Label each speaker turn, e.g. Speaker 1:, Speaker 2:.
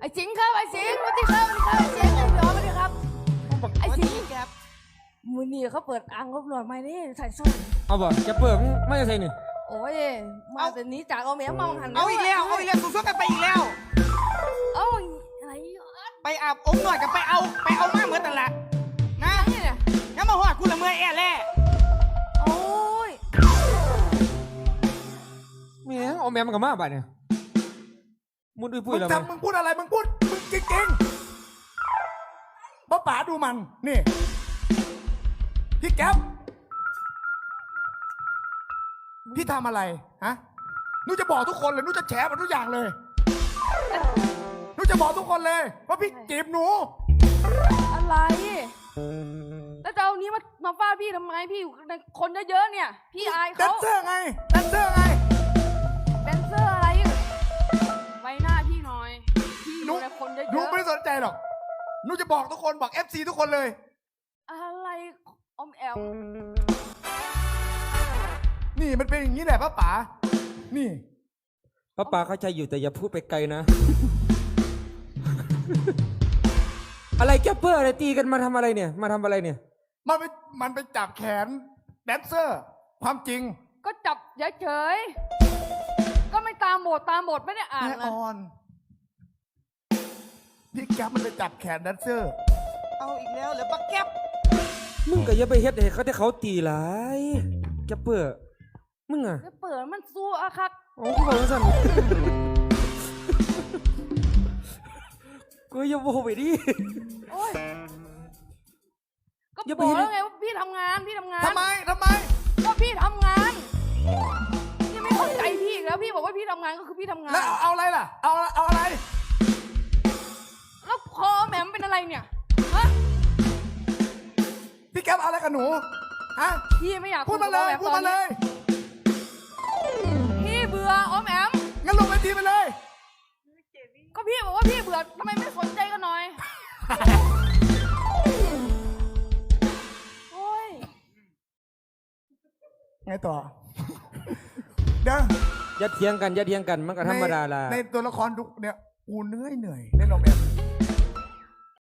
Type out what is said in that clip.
Speaker 1: ไอ้สิงห์ครับไอ้สิงห์สวัสดีครับสวัสดีครับไอ้สิงห์ไอ้หยอสวัสดีครับไอ้สิงห์ครับมือนี่เขาเปิดอ่างลบหน่อยไหมนี่ใส่ส้ม
Speaker 2: เอาบ่จะเปิดไม่จะใช่นี่
Speaker 1: โอ้ยมาแต่นี้จากเอาแม่มาหัน
Speaker 3: เอาอีกแล้วสู้ๆกันไปอีกแล้ว
Speaker 1: เอาอะไรยอด
Speaker 3: ไปอาบองค์หน่อยกับไปเอามาเหมือนแต่นละนะ
Speaker 1: นี่เนี่ย
Speaker 3: งั้นมาหอดกูละเมื่อยแอ่แล่
Speaker 1: โอ้ย
Speaker 2: แม่งเอาแม่มันกับมาบ่เนี่ยมุดอุ้ยปุ้
Speaker 4: มึ
Speaker 2: ย
Speaker 4: ง
Speaker 2: แล้ว
Speaker 4: ทำมึงพูดอะไรมึงพูดมึงจริงๆป้าป๋าดูมันนี่พี่แก๊ปพี่ทำอะไรฮะหนูจะบอกทุกคนเลยหนูจะแฉมันทุกอย่างเลยหนูจะบอกทุกคนเลยว่าพี่จีบหนู
Speaker 1: อะไรแล้วจะเอานี้มาฟาดพี่ทำไมพี่อยู่ในคนเยอะๆเนี่ยพี่อาย
Speaker 4: แด
Speaker 1: เขา
Speaker 4: นเซอร์ไงแดนเซอร์ไง
Speaker 1: แดนเซอร์อะไรไว้หน้าพี่หน่อยพี่อยู่ในคนเย
Speaker 4: หนู
Speaker 1: อะ
Speaker 4: ไม่ได้สนใจหรอกหนูจะบอกทุกคนบอก FC ทุกคนเลย
Speaker 1: ๆอะไรอมแอม
Speaker 4: นี่มันเป็นอย่างนี้แหละป้าป๋านี่
Speaker 2: ป้าป่าเข้าใจอยู่แต่อย่าพูดไปไกลนะ อะไรแกปเปอร์อะไรตีกันมาทำอะไรเนี่ยมาทำอะไรเนี่ย
Speaker 4: มันไปจับแขนแดนเซอร์ ความจริง
Speaker 1: ก็จับเฉยๆก็ไม่ตามบทไม่ได้อ่าน
Speaker 4: แม่
Speaker 1: เล
Speaker 4: อย อนพี่แก๊ปมันไปจับแขนแดนเซอร์
Speaker 3: เอาอีกแล้วเหรือปักแก๊บ
Speaker 2: มึงก็อย่าไปเฮ็ดให้เขาที่เขาตีหลายแกปเปอร์มึงอ่ะ
Speaker 1: แล้วเปิดมันสู้อะคัก
Speaker 2: โอ้กูบอกว่าสั่นกูอย่าโวไปดิ
Speaker 1: โอ้ยก็
Speaker 2: อย่า
Speaker 1: บ
Speaker 2: ไป
Speaker 1: อก
Speaker 2: เห็น
Speaker 1: แล้วไงว่าพี่ทำงาน
Speaker 4: ทำไม
Speaker 1: ก็พี่ทำงานพี่ไม่เข้าใจพี่อีกแล้วพี่บอกว่าพี่ทำงานก็คือพี่ทำงาน
Speaker 4: แล้วเอาอะไรล่ะ เอาอะไร
Speaker 1: แล้วคอแหมมเป็นอะไรเนี่ยฮะ
Speaker 4: พี่แก๊ปเอาอะไรกับหนู ฮะ
Speaker 1: พี่ไม่อยาก
Speaker 4: พูดมาเลย
Speaker 1: กับ
Speaker 4: พูด
Speaker 1: ออ
Speaker 4: มา
Speaker 1: แห
Speaker 4: เลย
Speaker 1: พี่เบื่อออมแอม
Speaker 4: งั้นลงเวทีไปเลย
Speaker 1: ก็พี่บอกว่าพี่เบื่อทำไมไม่สนใจกันหน่อยโอ้ย
Speaker 4: ไงต่อ เดี๋ยว
Speaker 2: อย่าเถียงกันมันก็ธรรมดาละ
Speaker 4: ในตัวละครทุกเนี่ยกูเหนื่อยเล่นออกแบบ